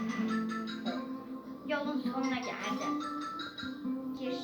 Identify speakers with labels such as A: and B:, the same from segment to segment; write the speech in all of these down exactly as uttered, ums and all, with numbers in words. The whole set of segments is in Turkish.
A: Yolun sonuna geldi. Gir.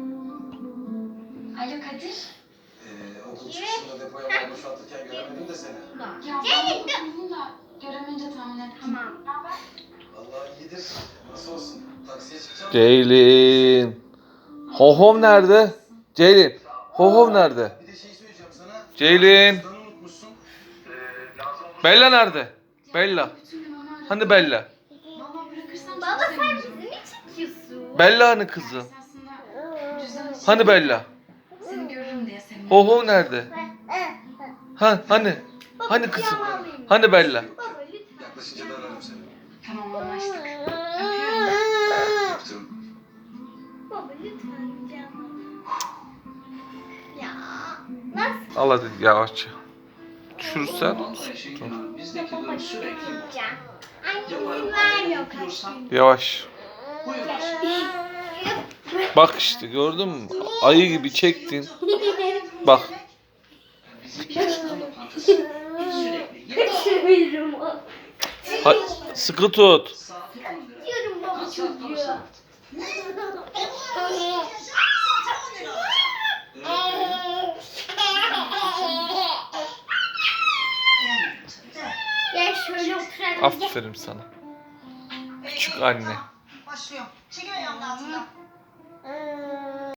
B: Alo Kadir.
C: Ee, okul çıkışında depoya mal boşaltırken göremedim de seni.
B: Ya
A: Ceylin dur.
B: ben da göremeyince tahmin ettim.
A: Tamam.
B: Ne haber?
C: Allah iyidir. Nasıl olsun? Taksiye çıkacağım.
D: Ceylin. Hohom nerede? Ceylin. Hohom nerede?
C: Bir de şey söyleyeceğim sana.
D: Ceylin.
C: Cüzdanı unutmuşsun. Ee, lazım olur.
D: Bella nerede? Bella.
B: Bütün gün onu aradım.
D: Hani Bella?
B: Valla bırakırsam
A: Baba
B: çok
A: sen
B: sevineceğim.
A: bizi mi çekiyorsun?
D: Bella hani kızım?
B: Esasında cüzdan için
D: Hani Bella?
B: seni görürüm diye sevindim.
D: Hoho nerede? Ha hani? Hani kızım? Hani Bella?
A: Baba lütfen.
C: Yaklaşınca da ararım seni.
B: Tamam anlaştık. Öpüyorum.
C: Öptüm.
A: Baba lütfen canım. Ya nasıl?
D: Al hadi yavaşça. Düşürürsen.
E: Bizdeki durum sürekli bu.
A: Ya. Annem izin vermiyor kaç gün.
D: Yavaş.
E: Buyurun.
D: Bak işte gördün mü? Ayı gibi çektin. Bak.
E: Bizimki çıkan lokantası. Sürekli yedi
A: Kaçırıyorum.
D: Ha, sıkı tut.
E: saati on lira.
A: Diyorum baba
E: Kaç saat on
A: çocuğu.
E: saat?
A: Ya şöyle oturalım.
D: Aferin sana. Küçük anne.
F: Başlıyor. Çekil ayağımın altından.